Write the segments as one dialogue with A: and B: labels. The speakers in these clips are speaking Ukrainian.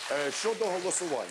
A: Щодо голосування.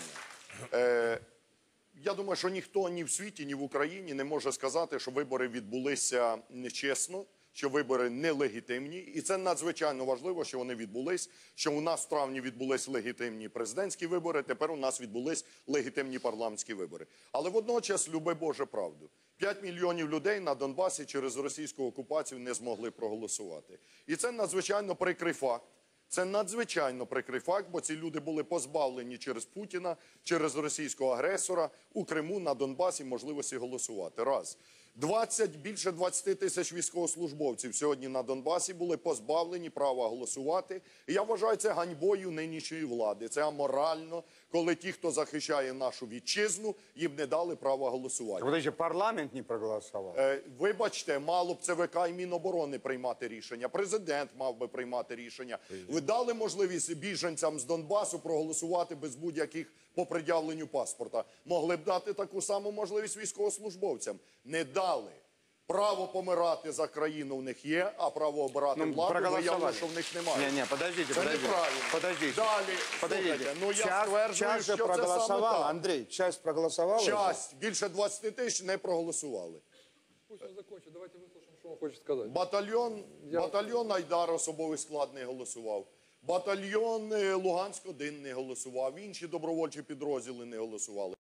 A: Я думаю, що ніхто ні в світі, ні в Україні не може сказати, що вибори відбулися нечесно, що вибори нелегітимні. І це надзвичайно важливо, що вони відбулись, що у нас в травні відбулись легітимні президентські вибори, тепер у нас відбулись легітимні парламентські вибори. Але водночас, люби Боже правду, 5 мільйонів людей на Донбасі через російську окупацію не змогли проголосувати. І це надзвичайно прикрий факт. Це надзвичайно прикрий факт, бо ці люди були позбавлені через Путіна, через російського агресора у Криму, на Донбасі можливості голосувати. Раз. Більше 20 тисяч військовослужбовців сьогодні на Донбасі були позбавлені права голосувати. І я вважаю це ганьбою нинішньої влади. Це аморально, коли ті, хто захищає нашу вітчизну, їм не дали права голосувати.
B: Подожди, парламент не проголосував?
A: Вибачте, мало б ЦВК і Міноборони приймати рішення. Президент мав би приймати рішення. Ви дали можливість біженцям з Донбасу проголосувати без будь-яких по пред'явленню паспорта. Могли б дати таку саму можливість військовослужбовцям. Не дали. Право помирати за країну в них є, а право обирати владу виявило, що в них немає.
B: Ні, подождіть.
A: Це неправильно.
B: Подождіть.
A: Далі, слухайте, ну я стверджую, що це саме так.
B: Андрій, часть проголосувала?
A: Часть, більше 20 тисяч не проголосували.
C: Пусть он закончит, давайте выслушаем, что он хочет сказать.
A: Батальйон Айдар, особовий склад, не голосував. Батальйон Луганськ-1 не голосував. Інші добровольчі підрозділи не голосували.